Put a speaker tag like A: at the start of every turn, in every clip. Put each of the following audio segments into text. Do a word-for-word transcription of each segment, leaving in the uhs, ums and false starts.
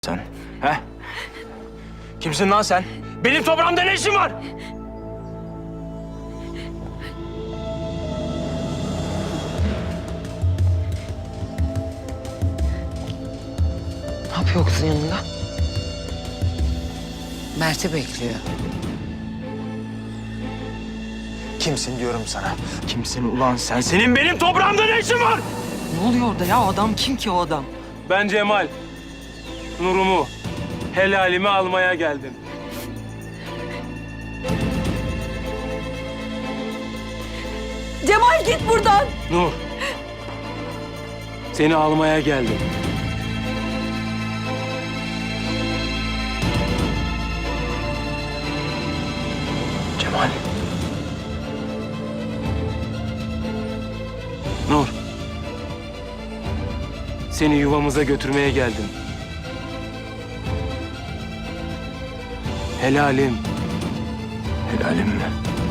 A: Sen, he? Kimsin lan sen? Benim toprağımda ne işin var?
B: Ne yapıyor kızın yanında?
C: Mert'i bekliyor.
A: Kimsin diyorum sana? Kimsin ulan sen? Senin benim toprağımda ne işin var?
B: Ne oluyor orada ya? O adam kim ki o adam?
D: Ben Cemal. Nurumu, helalimi almaya geldim.
B: Cemal git buradan.
D: Nur. Seni almaya geldim.
A: Cemal.
D: Nur. Seni yuvamıza götürmeye geldim. Helalim.
A: Helalim mi?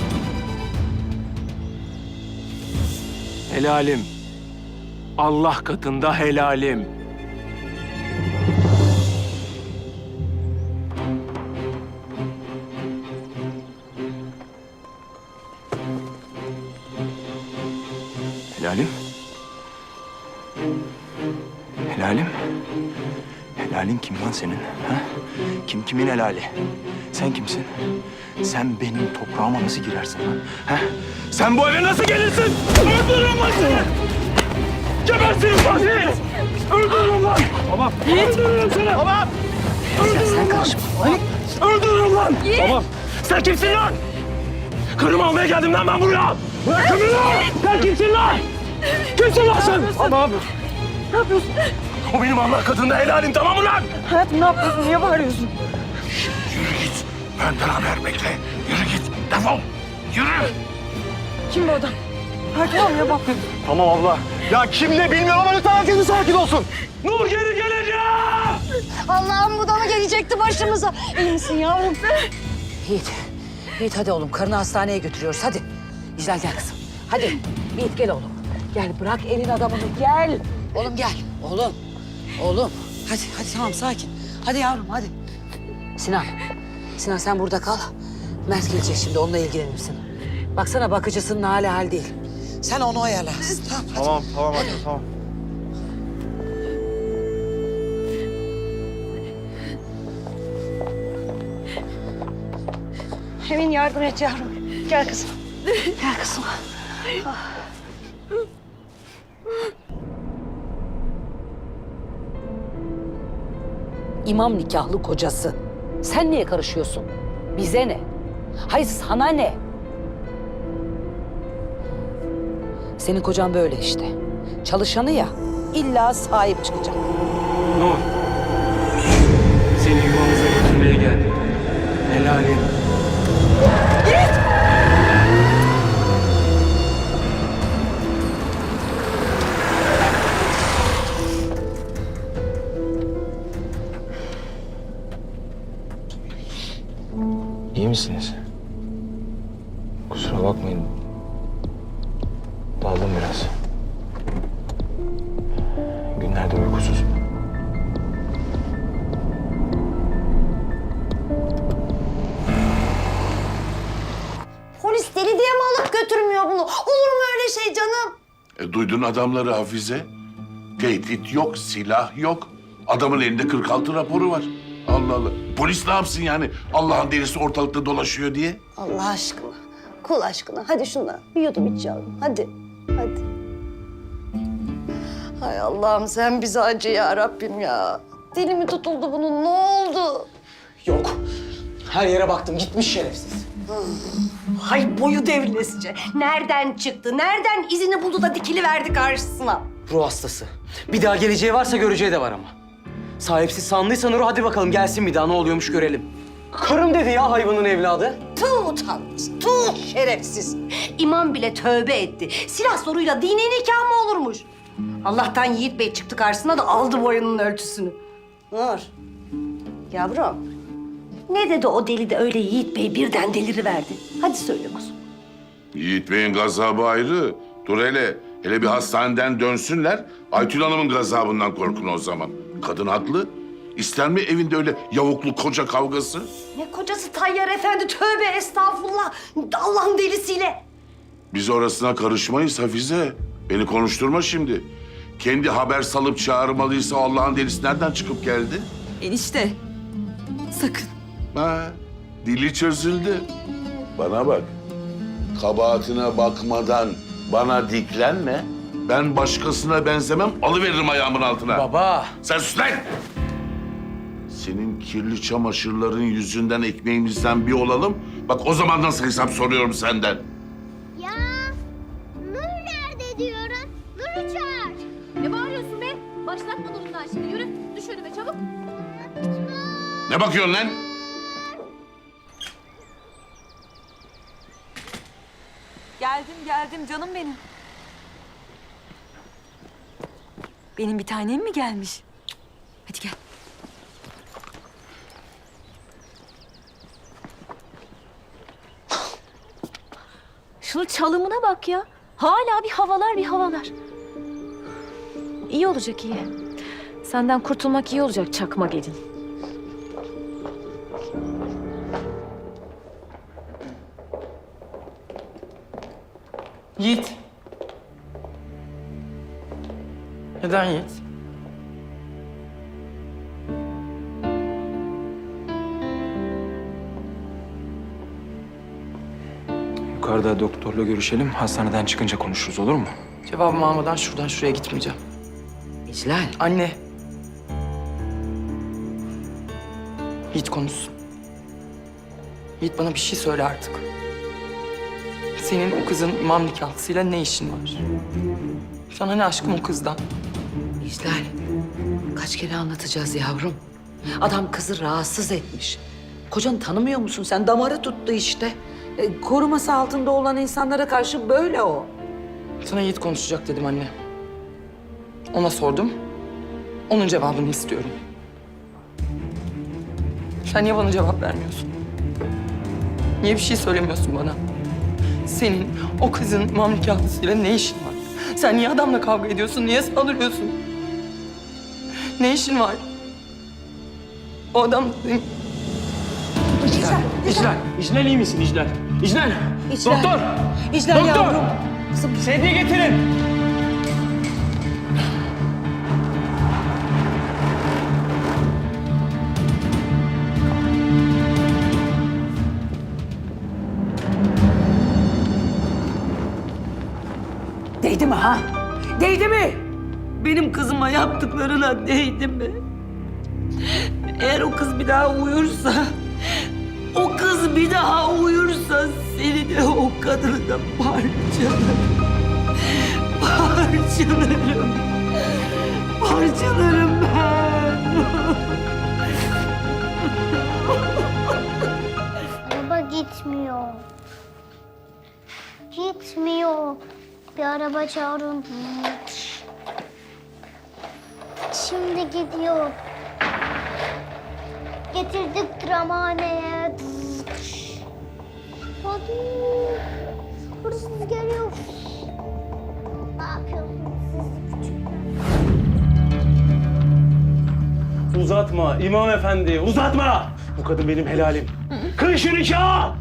D: Helalim. Allah katında helalim.
A: Helalim? Helalim? Helalin kim lan senin? Ha? Kim kimin helali? Sen kimsin? Sen benim toprağıma nasıl girersin lan? Ha? Sen bu eve nasıl gelirsin? Öldürürüm lan seni! Gebersiniz lan siz! Öldürürüm lan! Tamam. Öldürürüm seni! Tamam. Öldürürüm
B: Sen
A: lan!
B: karışma.
A: Öldürürüm lan! Tamam. Sen kimsin lan? Karımı almaya geldim lan ben buraya! Bırakın beni lan! Sen kimsin lan? Kimsin lan sen? Ne yapıyorsun?
B: Ne yapıyorsun?
A: O benim Allah katında helalim, tamam mı lan?
B: Hayatım ne yapıyorsun? Niye bağırıyorsun?
A: Yürü git. Benden haber bekle. Yürü git. Defol. Yürü.
B: Kim bu adam? Hayır tamam ya bak.
A: Tamam abla. Ya kim ne bilmiyorum ama lütfen herkesin sakin olsun. Nur geri gelecek.
E: Allah'ım bu da mı gelecekti başımıza? İyi misin yavrum?
C: Yiğit, Yiğit hadi oğlum. Karını hastaneye götürüyoruz. Hadi. İclal gel kızım. Hadi. Yiğit gel oğlum. Gel bırak elin adamını. Gel. Oğlum gel. Oğlum. Oğlum. Hadi hadi tamam sakin. Hadi yavrum hadi. Sinan. Sinan sen burada kal. Mert gelecek şimdi. Onunla ilgilenirsin. Baksana bakıcısının hali hal değil. Sen onu ayarla. Tamam hadi.
A: Tamam tamam hadi tamam.
E: Emin yardım et yavrum. Gel kızım. Gel kızım.
C: İmam nikahlı kocası. Sen niye karışıyorsun? Bize ne? Hayır sana ne? Senin kocan böyle işte. Çalışanı ya, illa sahip çıkacak.
D: Nur. Seni yuvamıza götürmeye geldim. Helalim.
A: İyi misiniz? Kusura bakmayın. Daldım biraz. Günlerdir uykusuzum.
E: Polis deli diye mi alıp götürmüyor bunu? Olur mu öyle şey canım?
F: E, duydun adamları Hafize. Tehdit yok, silah yok. Adamın elinde kırk altı raporu var. Allah Allah. Polis ne yapsın yani? Allah'ın delisi ortalıkta dolaşıyor diye.
E: Allah aşkına. Kul aşkına. Hadi şundan bir yudum iç yavrum. Hadi. Hadi. Hay Allah'ım sen bize acı ya Rabbim ya. Dili mi tutuldu bunun? Ne oldu?
G: Yok. Her yere baktım. Gitmiş şerefsiz.
E: Hay boyu devrilesice. Nereden çıktı? Nereden izini buldu da dikili verdi karşısına?
G: Ruh hastası. Bir daha geleceği varsa göreceği de var ama. Sahipsiz sandıysa Nur'u hadi bakalım gelsin bir daha ne oluyormuş görelim. Karım dedi ya hayvanın evladı.
E: Tuh utanmaz, tuh şerefsiz. İmam bile tövbe etti. Silah soruyla dini nikah mı olurmuş? Allah'tan Yiğit Bey çıktı karşısına da aldı boyunun ölçüsünü. Nur, yavrum. Ne dedi o deli de öyle Yiğit Bey birden deliriverdi? Hadi söyle kuzum.
F: Yiğit Bey'in gazabı ayrı. Dur hele. Hele bir hastaneden dönsünler. Aytül Hanım'ın gazabından korkun o zaman. Kadın haklı. İster mi evinde öyle yavuklu koca kavgası?
E: Ne kocası Tayyar Efendi, tövbe estağfurullah. Allah'ın delisiyle.
F: Biz orasına karışmayız Hafize. Beni konuşturma şimdi. Kendi haber salıp çağırmalıysa Allah'ın delisi nereden çıkıp geldi?
B: Enişte. Sakın.
F: Ha, dili çözüldü. Bana bak. Kabahatine bakmadan bana diklenme. Ben başkasına benzemem, alıveririm ayağımın altına.
G: Baba.
F: Sen sus lan! Senin kirli çamaşırların yüzünden ekmeğimizden bir olalım. Bak o zaman nasıl hesap soruyorum senden.
H: Ya Nur nerede diyorum? Nur'u çağır.
I: Ne bağırıyorsun be? Başlatma durumdan şimdi. Yürü, düş önüme çabuk.
F: Ne bakıyorsun lan?
B: Geldim geldim canım benim. Benim bir tanem mi gelmiş? Hadi gel.
I: Şunun çalımına bak ya. Hala bir havalar bir havalar. İyi olacak iyi. Senden kurtulmak iyi olacak çakma gelin.
G: Yiğit. Neden Yiğit?
A: Yukarıda doktorla görüşelim. Hastaneden çıkınca konuşuruz, olur mu?
G: Cevabımı almadan şuradan şuraya gitmeyeceğim.
C: İclal.
G: Anne. Yiğit konuşsun. Yiğit bana bir şey söyle artık. Senin o kızın imam nikahlısıyla ne işin var? Sana ne aşkım o kızdan?
C: İclal. Kaç kere anlatacağız yavrum? Adam kızı rahatsız etmiş. Kocanı tanımıyor musun sen? Damarı tuttu işte. E, koruması altında olan insanlara karşı böyle o.
G: Sana Yiğit konuşacak dedim anne. Ona sordum. Onun cevabını istiyorum. Sen niye bana cevap vermiyorsun? Niye bir şey söylemiyorsun bana? Senin o kızın imam nikahlısıyla ne işin var? Sen niye adamla kavga ediyorsun? Niye saldırıyorsun? Ne işin var? O adam...
D: İclal, İclal iyi misin İclal? İclal,
C: İclal.
D: doktor!
C: İclal
D: Doktor!
C: yavrum.
D: Sedye getirin!
C: Değdi mi ha? Değdi mi? Benim kızıma yaptıklarına değdi mi? Eğer o kız bir daha uyursa... O kız bir daha uyursa seni de o kadını da parçalarım. Parçalarım. Parçalarım ben.
H: Araba gitmiyor. Gitmiyor. Bir araba çağırın. Şimdi gidiyor. Getirdik tıramaneye. Hadi. Hırsız geliyor. Ne yapıyorsunuz siz küçükler?
D: Uzatma İmam Efendi, uzatma! Bu kadın benim helalim. Kır şu nikahı!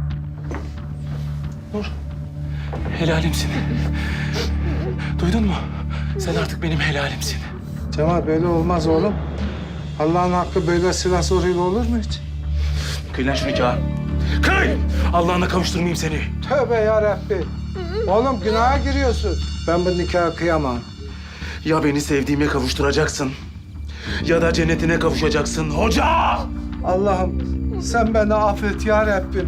A: Nur, helalimsin. Duydun mu? Sen artık benim helalimsin.
J: Cemal böyle olmaz oğlum. Allah'ın hakkı böyle silah zoruyla olur mu hiç?
A: Kıy lan şu nikahı. Kıy! Allah'ına kavuşturmayayım seni.
J: Tövbe yarabbi. Oğlum günaha giriyorsun. Ben bu nikahı kıyamam.
A: Ya beni sevdiğime kavuşturacaksın ya da cennetine kavuşacaksın hoca!
J: Allah'ım sen beni affet ya Rabbim.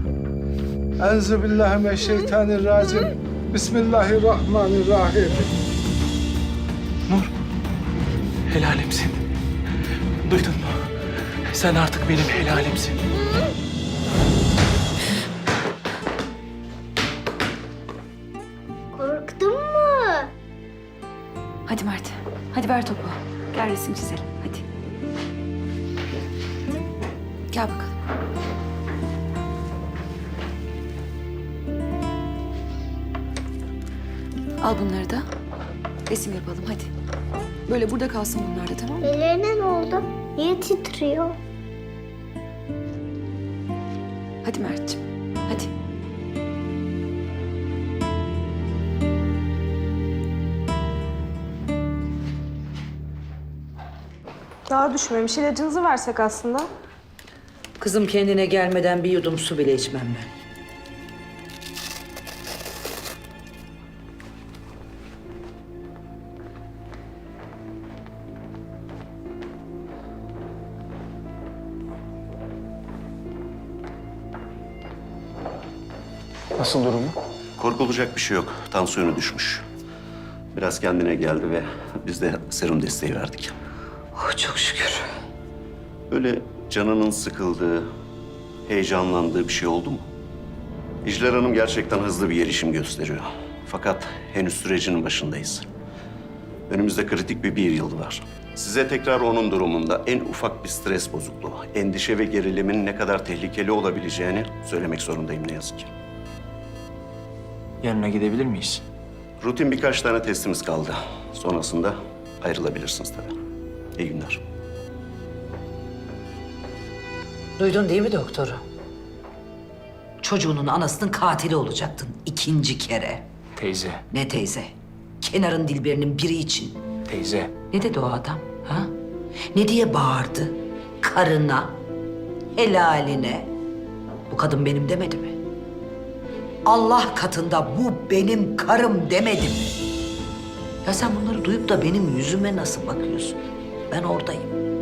J: Enzübillahimineşşeytanirracim. Bismillahirrahmanirrahim.
A: Nur, helalimsin. Duydun mu? Sen artık benim helalimsin.
H: Korktun mu?
I: Hadi Mert. Hadi ver topu. Gel resim çizelim. Hadi. Gel bakalım. Al bunları da. Resim yapalım hadi. Böyle burada kalsın bunlar da tamam mı?
H: Ellerine ne oldu? Niye titriyor?
B: Hadi Mert'ciğim, hadi.
K: Daha düşmemiş. İlacınızı versek aslında.
C: Kızım kendine gelmeden bir yudum su bile içmem ben.
A: Nasıl durumu?
L: Korkulacak bir şey yok. Tansiyonu düşmüş. Biraz kendine geldi ve biz de serum desteği verdik.
C: Oh çok şükür.
L: Böyle canının sıkıldığı, heyecanlandığı bir şey oldu mu? İcler Hanım gerçekten hızlı bir gelişim gösteriyor. Fakat henüz sürecinin başındayız. Önümüzde kritik bir bir yıl var. Size tekrar onun durumunda en ufak bir stres bozukluğu, endişe ve gerilimin ne kadar tehlikeli olabileceğini söylemek zorundayım ne yazık ki.
A: Yanına gidebilir miyiz?
L: Rutin birkaç tane testimiz kaldı. Sonrasında ayrılabilirsiniz tabii. İyi günler.
C: Duydun değil mi doktoru? Çocuğunun anasının katili olacaktın ikinci kere.
A: Teyze,
C: Ne teyze? Kenarın Dilberinin biri için.
A: teyze.
C: Ne dedi o adam? Ha? Ne diye bağırdı? Karına, helaline. Bu kadın benim demedi mi? Allah katında bu benim karım demedi mi? Ya sen bunları duyup da benim yüzüme nasıl bakıyorsun? Ben oradayım.